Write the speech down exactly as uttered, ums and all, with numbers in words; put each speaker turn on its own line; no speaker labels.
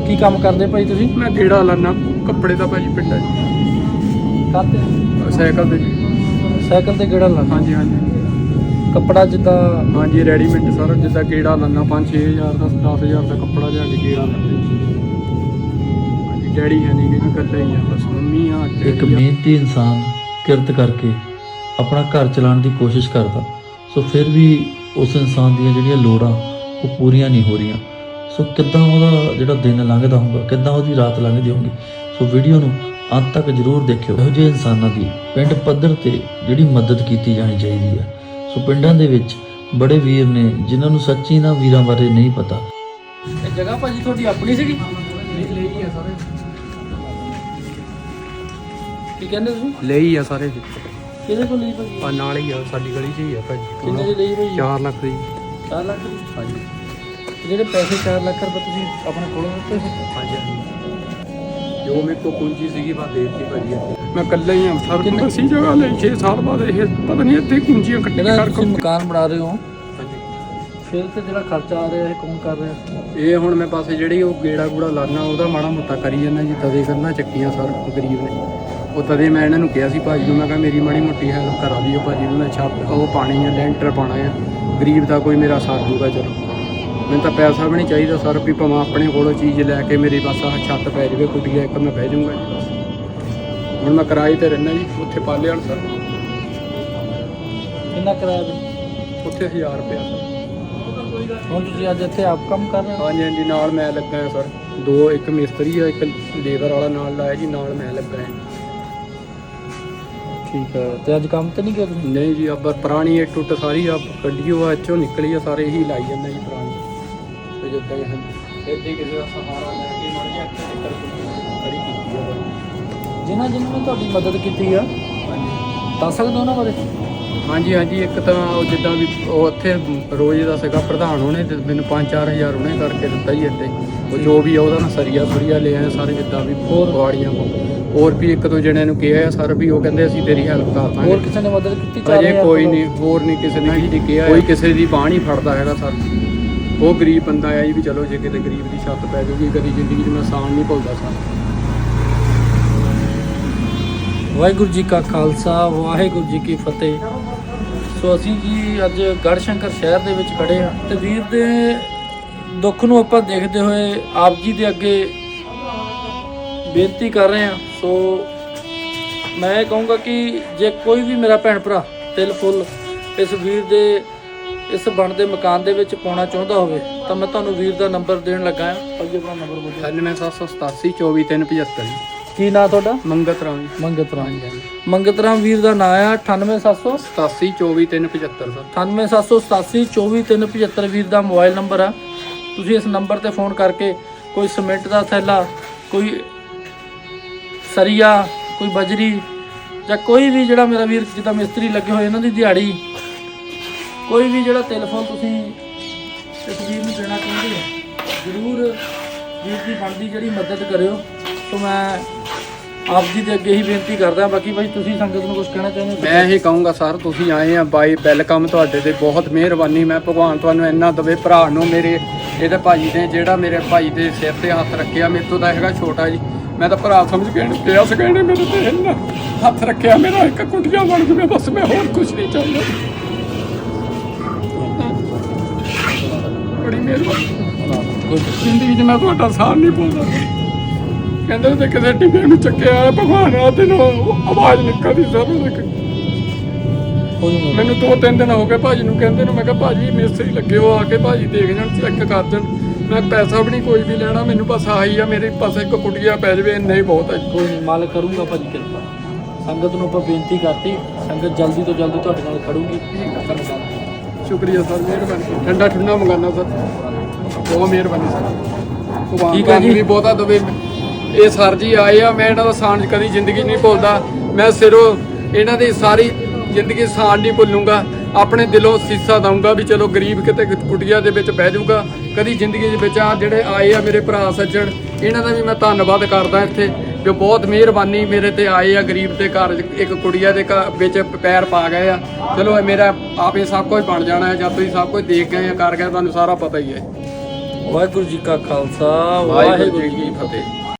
ਕੀ ਕੰਮ ਕਰਦੇ ਭਾਈ ਤੁਸੀਂ?
ਮੈਂ ਗੇੜਾ ਲਾਨਾ ਕੱਪੜੇ ਦਾ ਭਾਜੀ ਪਿੰਡਾਂ 'ਚ
ਕਰਦੇ
ਸਾਈਕਲ ਤੇ ਜੀ।
ਸਾਈਕਲ ਤੇ ਗੇੜਾ ਲਾਉਂਦੇ?
ਹਾਂਜੀ ਹਾਂਜੀ
ਕੱਪੜਾ ਜਿੱਦਾਂ
ਹਾਂਜੀ ਰੈਡੀਮੇਡ ਸਾਰਾ ਜਿੱਦਾਂ ਗੇੜਾ ਲਾਨਾ ਪੰਜ ਛੇ ਹਜ਼ਾਰ ਦਾ ਦਸ ਹਜ਼ਾਰ ਦਾ ਕੱਪੜਾ ਲਿਆ ਕੇ ਗੇੜਾ ਲਾਉਂਦੇ ਹਾਂਜੀ। ਡੈਡੀ ਹੈ ਨਹੀਂ ਕਿ ਇਕੱਲਾ ਹੀ ਆ ਬਸ ਮੰਮੀ ਆ
ਇੱਕ ਮਿਹਨਤੀ ਇਨਸਾਨ ਕਿਰਤ ਕਰਕੇ ਆਪਣਾ ਘਰ ਚਲਾਉਣ ਦੀ ਕੋਸ਼ਿਸ਼ ਕਰਦਾ, ਸੋ ਫਿਰ ਵੀ ਉਸ ਇਨਸਾਨ ਦੀਆਂ ਜਿਹੜੀਆਂ ਲੋੜਾਂ ਉਹ ਪੂਰੀਆਂ ਨਹੀਂ ਹੋ ਰਹੀਆਂ। ਸੋ ਕਿੱਦਾਂ ਉਹਦਾ ਜਿਹੜਾ ਦਿਨ ਲੰਘਦਾ ਹੋਊਗਾ, ਕਿੱਦਾਂ ਉਹਦੀ ਰਾਤ ਲੰਘਦੀ ਹੋਊਗੀ। ਸੋ ਵੀਡੀਓ ਨੂੰ ਅੰਤ ਤੱਕ ਜ਼ਰੂਰ ਦੇਖਿਓ। ਇਹੋ ਜਿਹੇ ਇਨਸਾਨਾਂ ਦੀ ਪਿੰਡ ਪੱਧਰ ਤੇ ਜਿਹੜੀ ਮਦਦ ਕੀਤੀ ਜਾਣੀ ਚਾਹੀਦੀ ਹੈ। ਸੋ ਪਿੰਡਾਂ ਦੇ ਵਿੱਚ ਬੜੇ ਵੀਰ ਨੇ ਜਿਨ੍ਹਾਂ ਨੂੰ ਸੱਚੀ ਨਾ ਵੀਰਾਂ ਬਾਰੇ ਨਹੀਂ ਪਤਾ।
ਇਹ ਜਗ੍ਹਾ ਭਾਜੀ ਤੁਹਾਡੀ ਆਪਣੀ ਸੀਗੀ?
ਲਈ ਆ ਸਾਰੇ
ਕੀ ਕਹਿੰਦੇ ਤੁਸੀਂ?
ਲਈ ਆ ਸਾਰੇ
ਕਿਹਦੇ ਕੋਲ ਲਈ ਭਾਜੀ?
ਆ ਨਾਲ ਹੀ ਆ ਸਾਡੀ ਗਲੀ 'ਚ ਹੀ ਆ ਭਾਜੀ।
ਕਿੰਨੇ ਦੀ ਲਈ ਭਾਜੀ?
ਚਾਰ ਲੱਖ ਦੀ।
ਚਾਰ ਲੱਖ ਦੀ?
ਹਾਂਜੀ
ਤੇ ਜਿਹੜੇ ਪੈਸੇ ਚਾਰ ਲੱਖ ਰੁਪਏ ਤੁਸੀਂ ਆਪਣੇ ਕੋਲੋਂ ਦਿੱਤੇ ਸੀ?
ਹਾਂਜੀ ਜੋ ਮੇਰੇ ਕੋਲ ਪੂੰਜੀ ਸੀਗੀ ਬਸ ਦੇ ਦਿੱਤੀ ਭਾਜੀ। ਮੈਂ ਇਕੱਲਾ ਹੀ ਹਾਂ ਸਰ।
ਕਿੰਨੇ-
ਅਸੀਂ ਜਗ੍ਹਾ ਲਈ ਛੇ ਸਾਲ ਬਾਅਦ ਇਹ ਪਤਾ ਨਹੀਂ ਇੱਥੇ ਪੂੰਜੀਆਂ ਇਕੱਠੀਆਂ
ਜਿਹੜਾ
ਕਰ
ਤੁਸੀਂ ਮਕਾਨ ਬਣਾ ਰਹੇ ਹੋ
ਹਾਂਜੀ
ਫਿਰ ਤੇ ਜਿਹੜਾ ਖਰਚਾ ਆ ਰਿਹਾ ਇਹ ਕੌਣ ਕਰ ਰਿਹਾ?
ਇਹ ਹੁਣ ਮੈਂ ਪਾਸੇ ਜਿਹੜੀ ਉਹ ਗੇੜਾ ਗੂੜਾ ਲਾਨਾ ਉਹਦਾ ਮਾੜਾ ਮੋਟਾ ਕਰੀ ਜਾਂਦਾ ਜੀ। ਤਦੇ ਕਰਨਾ ਚੱਕੀਆਂ ਸਰ ਗਰੀਬ ਨੇ ਉਹ ਤਦੇ ਮੈਂ ਇਹਨਾਂ ਨੂੰ ਕਿਹਾ ਸੀ ਭਾਜੀ ਨੂੰ, ਮੈਂ ਕਿਹਾ ਮੇਰੀ ਮਾੜੀ ਮੋਟੀ ਹੈਲਪ ਕਰਾ ਦਿਓ ਭਾਜੀ ਨੂੰ। ਮੈਂ ਛੱਤ ਉਹ ਪਾਣੀ ਹੈ ਲੈਂਟਰ ਪਾਉਣਾ ਹੈ ਗਰੀਬ ਦਾ ਕੋਈ ਮੇਰਾ ਸਾਥ ਦੂਗਾ। ਚਲੋ ਮੈਨੂੰ ਤਾਂ ਪੈਸਾ ਵੀ ਨਹੀਂ ਚਾਹੀਦਾ ਸਰ ਵੀ ਭਾਵੇਂ ਆਪਣੇ ਕੋਲੋਂ ਚੀਜ਼ ਲੈ ਕੇ ਮੇਰੀ ਬਸ ਆਹ ਛੱਤ ਪੈ ਜਾਵੇ ਕੁੱਟੀਆ ਇੱਕ ਮੈਂ ਬਹਿ ਜਾਊਂਗਾ ਜੀ ਬਸ। ਹੁਣ ਮੈਂ ਕਿਰਾਏ ਤੇ ਰਹਿਣਾ ਜੀ ਉੱਥੇ ਪਾਲੇ ਵਾਲ ਸਰ।
ਕਿੰਨਾ ਕਿਰਾਇਆ ਵੀ?
ਉੱਥੇ ਹਜ਼ਾਰ ਰੁਪਇਆ ਸਰ।
ਹੁਣ ਤੁਸੀਂ ਅੱਜ ਇੱਥੇ ਆਪ ਕੰਮ ਕਰ ਰਹੇ ਹੋ?
ਹਾਂਜੀ ਹਾਂਜੀ ਨਾਲ ਮੈਂ ਲੱਗਾ ਹਾਂ ਸਰ। ਦੋ ਇੱਕ ਮਿਸਤਰੀ ਆ ਇੱਕ ਲੇਬਰ ਵਾਲਾ ਨਾਲ ਲਾਇਆ ਜੀ, ਨਾਲ ਮੈਂ ਲੱਗਾ ਹਾਂ।
ਠੀਕ ਹੈ। ਤੇ ਅੱਜ ਕੰਮ ਤੇ ਨਹੀਂ ਗਿਆ ਤੁਸੀਂ?
ਨਹੀਂ ਜੀ ਅੱਬਰ ਪੁਰਾਣੀ ਇਹ ਟੁੱਟ ਸਾਰੀ ਆ ਕੱਢੀ ਆ ਇੱਥੋਂ ਨਿਕਲੀ ਆ ਸਾਰੇ ਇਹੀ ਲਾਈ ਜਾਂਦਾ ਜੀ ਪੁਰਾਣੀ। ਤੇ ਜਿੱਦਾਂ ਇਹ ਇੱਥੇ ਕਿਸੇ ਦਾ ਸਹਾਰਾ ਲੈ ਕੇ ਮੜ ਗਿਆ ਇੱਥੇ ਨਿਕਲ ਖੜੀ ਕੀਤੀ ਆ ਬਾਈ।
ਜਿਨ੍ਹਾਂ ਜਿਨ੍ਹਾਂ ਨੇ ਤੁਹਾਡੀ ਮਦਦ ਕੀਤੀ ਆ
ਹਾਂਜੀ
ਦੱਸ ਸਕਦੇ ਹੋ ਉਹਨਾਂ ਬਾਰੇ?
ਹਾਂਜੀ ਹਾਂਜੀ ਇੱਕ ਤਾਂ ਉਹ ਜਿੱਦਾਂ ਵੀ ਉਹ ਉੱਥੇ ਰੋਜ਼ ਦਾ ਸੀਗਾ ਪ੍ਰਧਾਨ, ਉਹਨੇ ਤੇ ਮੈਨੂੰ ਪੰਜ ਚਾਰ ਹਜ਼ਾਰ ਉਹਨੇ ਕਰਕੇ ਦਿੱਤਾ ਜੀ ਇੱਥੇ। ਉਹ ਜੋ ਵੀ ਆ ਉਹਦਾ ਨਾ ਸਰੀਆ ਸੁਰੀਆ ਲੈ ਆਏ ਸਾਰੇ ਜਿੱਦਾਂ ਵੀ ਹੋਰ ਵਾੜੀਆਂ ਹੋਰ ਵੀ ਇੱਕ ਦੋ ਜਣਿਆਂ ਨੂੰ ਕਿਹਾ ਆ ਸਰ ਵੀ ਉਹ ਕਹਿੰਦੇ ਅਸੀਂ ਤੇਰੀ ਹੈਲਪ ਕਰ ਦਾਂਗੇ।
ਹੋਰ ਕਿਸੇ ਨੇ ਮਦਦ ਕੀਤੀ? ਚਾਰ
ਅਜੇ
ਹਜ਼ਾਰ
ਕੋਈ
ਕੋਲੋਂ?
ਨਹੀਂ ਹੋਰ ਨਹੀਂ ਕਿਸੇ ਨੇ ਕੀਤੀ ਕਿਹਾ। ਕੋਈ ਕਿਸੇ ਦੀ ਬਾਂਹ ਨਹੀਂ ਫੜਦਾ ਹੈਗਾ ਸਰ। ਉਹ ਗਰੀਬ ਬੰਦਾ ਆ ਜੀ ਵੀ ਚਲੋ ਜੇ ਕਿਤੇ ਗਰੀਬ ਦੀ ਛੱਤ ਪੈ ਜਾਊਗੀ ਕਦੀ ਜ਼ਿੰਦਗੀ 'ਚ ਮੈਂ ਆਸਾਨ ਨਹੀਂ ਭੁੱਲਦਾ ਸਰ।
ਵਾਹਿਗੁਰੂ ਜੀ ਕਾ ਖਾਲਸਾ ਵਾਹਿਗੁਰੂ ਜੀ ਕੀ ਫਤਿਹ। ਸੋ ਅਸੀਂ ਜੀ ਅੱਜ ਗੜ੍ਹਸ਼ੰਕਰ ਸ਼ਹਿਰ ਦੇ ਵਿੱਚ ਖੜੇ ਹਾਂ ਤੇ ਵੀਰ ਦੇ ਦੁੱਖ ਨੂੰ ਆਪਾਂ ਦੇਖਦੇ ਹੋਏ ਆਪ ਜੀ ਦੇ ਅੱਗੇ ਬੇਨਤੀ ਕਰ ਰਹੇ ਹਾਂ। ਸੋ ਮੈਂ ਇਹ ਕਹੂੰਗਾ ਕਿ ਜੇ ਕੋਈ ਵੀ ਮੇਰਾ ਭੈਣ ਭਰਾ ਤਿਲ ਫੁੱਲ ਇਸ ਵੀਰ ਦੇ ਇਸ ਬਣਦੇ ਮਕਾਨ ਦੇ ਵਿੱਚ ਪਾਉਣਾ ਚਾਹੁੰਦਾ ਹੋਵੇ ਤਾਂ ਮੈਂ ਤੁਹਾਨੂੰ ਵੀਰ ਦਾ ਨੰਬਰ ਦੇਣ ਲੱਗਾ ਹਾਂ। ਭਾਜੀ ਆਪਣਾ ਨੰਬਰ ਬੋਲੋ।
ਅਠਾਨਵੇਂ ਸੱਤ ਸੌ ਸਤਾਸੀ ਚੌਵੀ ਤਿੰਨ ਪਝੱਤਰ ਜੀ।
ਕੀ ਨਾਂ ਤੁਹਾਡਾ?
ਮੰਗਤ ਰਾਮ ਜੀ।
ਮੰਗਤ ਰਾਮ। ਮੰਗਤ ਰਾਮ ਵੀਰ ਦਾ ਨਾਂ ਆ। ਅਠਾਨਵੇਂ ਸੱਤ ਸੌ
ਸਤਾਸੀ ਚੌਵੀ ਤਿੰਨ ਪਝੱਤਰ ਸਰ।
ਅਠਾਨਵੇਂ ਸੱਤ ਸੌ ਸਤਾਸੀ ਚੌਵੀ ਤਿੰਨ ਪਝੱਤਰ ਵੀਰ ਦਾ ਮੋਬਾਈਲ ਨੰਬਰ ਆ। ਤੁਸੀਂ ਇਸ ਨੰਬਰ ਤੇ ਫੋਨ ਕਰਕੇ ਕੋਈ ਸੀਮੈਂਟ ਦਾ ਥੈਲਾ, ਕੋਈ ਸਰੀਆ, ਕੋਈ ਬਜਰੀ ਜਾਂ ਕੋਈ ਵੀ ਜਿਹੜਾ ਮੇਰਾ ਵੀਰ ਜਿੱਦਾਂ ਮਿਸਤਰੀ ਲੱਗੇ ਹੋਏ ਇਹਨਾਂ ਦੀ ਦਿਹਾੜੀ, ਕੋਈ ਵੀ ਜਿਹੜਾ ਤਿਲ ਫੁੱਲ ਤੁਸੀਂ ਇਸ ਵੀਰ ਨੂੰ ਦੇਣਾ ਚਾਹੁੰਦੇ ਹੋ ਜ਼ਰੂਰ ਵੀਰ ਦੀ ਬਣਦੀ ਜਿਹੜੀ ਮਦਦ ਕਰਿਓ। ਸੋ ਮੈਂ ਆਪ ਜੀ ਦੇ ਅੱਗੇ ਹੀ ਬੇਨਤੀ ਕਰਦਾ। ਬਾਕੀ ਭਾਈ ਤੁਸੀਂ ਸੰਗਤ ਨੂੰ ਕੁਝ ਕਹਿਣਾ ਚਾਹੁੰਦੇ ਹੋ?
ਮੈਂ ਇਹ ਕਹੂੰਗਾ ਸਰ ਤੁਸੀਂ ਆਏ ਆ ਬਾਈ ਵੈਲਕਮ, ਤੁਹਾਡੇ ਤੇ ਬਹੁਤ ਮਿਹਰਬਾਨੀ। ਮੈਂ ਭਗਵਾਨ ਤੁਹਾਨੂੰ ਇੰਨਾ ਦਵੇ ਭਰਾ ਨੂੰ ਮੇਰੇ ਇਹਦੇ ਭਾਜੀ ਨੇ ਜਿਹੜਾ ਮੇਰੇ ਭਾਈ ਦੇ ਸਿਰ ਤੇ ਹੱਥ ਰੱਖਿਆ। ਮੇਰੇ ਤੋਂ ਤਾਂ ਹੈਗਾ ਛੋਟਾ ਜੀ, ਮੈਂ ਤਾਂ ਭਰਾ ਸਮਝ ਕੇ ਇਹਨੂੰ ਪਿਆ ਸਕੈਂਡੇ ਮੇਰੇ ਤੇ ਇੰਨਾ ਹੱਥ ਰੱਖਿਆ। ਮੇਰਾ ਇੱਕ ਕੁੰਡੀਆਂ ਬਣ ਜੂਵੇ ਬਸ, ਮੈਂ ਹੋਰ ਕੁਝ ਨਹੀਂ ਚਾਹੁੰਦਾ। ਬੜੀ ਮਿਹਰਬਾਨੀ। ਜ਼ਿੰਦਗੀ 'ਚ ਮੈਂ ਤੁਹਾਡਾ ਸਾਥ ਨਹੀਂ ਭੁੱਲਦਾ। ਕਹਿੰਦੇ ਤੇ ਕਿਸੇ ਟਿੱਬੇ ਨੂੰ ਚੱਕਿਆ ਭਗਵਾਨ ਆ ਤੇ ਆਵਾਜ਼ ਨਿਕਲਦੀ ਸਰ ਉਹਦੇ। ਮੈਨੂੰ ਦੋ ਤਿੰਨ ਦਿਨ ਹੋ ਗਏ ਭਾਜੀ ਨੂੰ ਕਹਿੰਦੇ ਨੂੰ। ਮੈਂ ਕਿਹਾ ਭਾਜੀ ਮਿਸਤਰੀ ਲੱਗੇ ਹੋ ਆ ਕੇ ਭਾਜੀ ਦੇਖ ਜਾਣ ਚੈੱਕ ਕਰ ਜਾਣ। ਮੈਂ ਪੈਸਾ ਵੀ ਨਹੀਂ ਕੋਈ ਵੀ ਲੈਣਾ, ਮੈਨੂੰ ਬਸ ਆਹੀ ਆ ਮੇਰੇ ਪਾਸੇ ਇੱਕ ਕੁਟੀਆ ਪੈ ਜਾਵੇ ਇੰਨਾ ਹੀ ਬਹੁਤ ਹੈ।
ਕੋਈ ਨਹੀਂ, ਮਾਲਕ ਕਰੂੰਗਾ ਭਾਜੀ ਕਿਰਪਾ। ਸੰਗਤ ਨੂੰ ਆਪਾਂ ਬੇਨਤੀ ਕਰਤੀ, ਸੰਗਤ ਜਲਦੀ ਤੋਂ ਜਲਦੀ ਤੁਹਾਡੇ ਨਾਲ ਖੜੂਗੀ।
ਸ਼ੁਕਰੀਆ ਸਰ, ਮਿਹਰਬਾਨੀ। ਠੰਡਾ ਠੰਡਾ ਮੰਗਾਨਾ ਸਰ, ਬਹੁਤ ਮਿਹਰਬਾਨੀ ਸਰ। ਭਗਵਾਨ
ਠੀਕ ਹੈ ਜੀ।
ਵੀ ਬਹੁਤਾ ਦਵੇ। ਇਹ ਸਰ ਜੀ ਆਏ ਆ, ਮੈਂ ਇਹਨਾਂ ਦਾ ਸਾਂਝ ਕਦੀ ਜ਼ਿੰਦਗੀ ਨਹੀਂ ਭੁੱਲਦਾ। ਮੈਂ ਸਿਰੋਂ ਇਹਨਾਂ ਦੀ ਸਾਰੀ ਜ਼ਿੰਦਗੀ ਸਾਂਝ ਨਹੀਂ ਭੁੱਲੂੰਗਾ। ਆਪਣੇ ਦਿਲੋਂ ਸੀਸਾ ਦਊਂਗਾ ਵੀ ਚਲੋ ਗਰੀਬ ਕਿਤੇ ਕੁਟੀਆ ਦੇ ਵਿੱਚ ਬਹਿ ਜਾਊਗਾ। ਕਦੀ ਜ਼ਿੰਦਗੀ ਦੇ ਵਿੱਚ ਆ ਜਿਹੜੇ ਆਏ ਆ ਮੇਰੇ ਭਰਾ ਸੱਜਣ, ਇਹਨਾਂ ਦਾ ਵੀ ਮੈਂ ਧੰਨਵਾਦ ਕਰਦਾ ਇੱਥੇ ਵੀ ਬਹੁਤ ਮਿਹਰਬਾਨੀ ਮੇਰੇ ਤੇ ਆਏ ਆ। ਗਰੀਬ ਦੇ ਘਰ ਇੱਕ ਕੁੜੀਆ ਦੇ ਘਰ ਵਿੱਚ ਪੈਰ ਪਾ ਗਏ ਆ। ਚਲੋ ਮੇਰਾ ਆਪੇ ਸਭ ਕੁਝ ਬਣ ਜਾਣਾ ਹੈ ਜਦ ਤੁਸੀਂ ਸਭ ਕੁਝ ਦੇਖ ਗਏ ਆ ਕਰ ਗਏ, ਤੁਹਾਨੂੰ ਸਾਰਾ ਪਤਾ ਹੀ ਹੈ।
ਵਾਹਿਗੁਰੂ ਜੀ ਕਾ ਖਾਲਸਾ
ਵਾਹਿਗੁਰੂ ਜੀ ਕੀ ਫਤਿਹ।